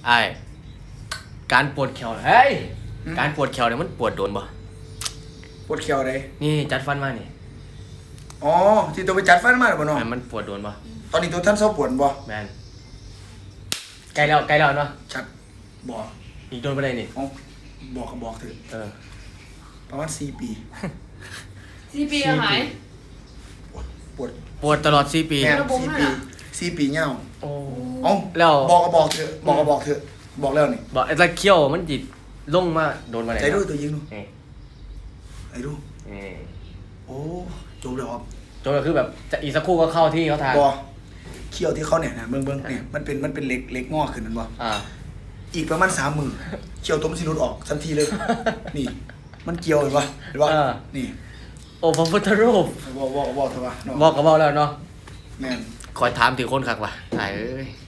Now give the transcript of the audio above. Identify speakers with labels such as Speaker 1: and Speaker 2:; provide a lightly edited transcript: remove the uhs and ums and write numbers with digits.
Speaker 1: ไอ้การปวดแขวเฮ้ยการปวดแขวเนี่ยมันปวดโดนบ่
Speaker 2: ปวดเขียวเลย
Speaker 1: นี่จัดฟันมานี่
Speaker 2: อ๋อที่ตัวไปจัดฟันมาหรือเปล่าน้อง
Speaker 1: มันปวดโดนบ่
Speaker 2: ตอนนี้ตัวท่านเศร้าปวดบ่
Speaker 1: แมนใกล้แล้วเนาะ
Speaker 2: ชัดบอก
Speaker 1: อีกโดนไปเลยนี่
Speaker 2: บอกก็บอกเถอะประมาณ4 ปี
Speaker 3: 4 ปีหาย
Speaker 1: ปวดตลอด4 ปี
Speaker 2: แม่4 ปีเงี้ย
Speaker 1: โอ้
Speaker 2: แล้วบอกก็บอกเถอะบอกเถอะบอกแล้วนี่
Speaker 1: บอกไอ้ตะเคียวมันจิตลงมาโดนมาไหน
Speaker 2: ใจดูตัวยิงดูไอ้ดูโอ้จบแล้วครับ
Speaker 1: จบแล้วคือแบบจะอีกสักครู่ก็เข้าที่เขาทาง
Speaker 2: บ่เขี้ยวที่เขาเนี่ยนะเบิ่งเนี่ยมันเป็นเล็กงอกขึ้นนั่นบ่อีกประมาณ3 มือเขี้ยวตัวมันสิหลุดออกทันทีเลยนี่มันเกี่ยวเห็นป่ะนี่
Speaker 1: โอ้พระพุทธรูป
Speaker 2: บอกเถอะว่า
Speaker 1: บอกก็บอกแล้วเนาะ
Speaker 2: แม่น
Speaker 1: คอยถามถึงคนคักว่ะตายเอ้ย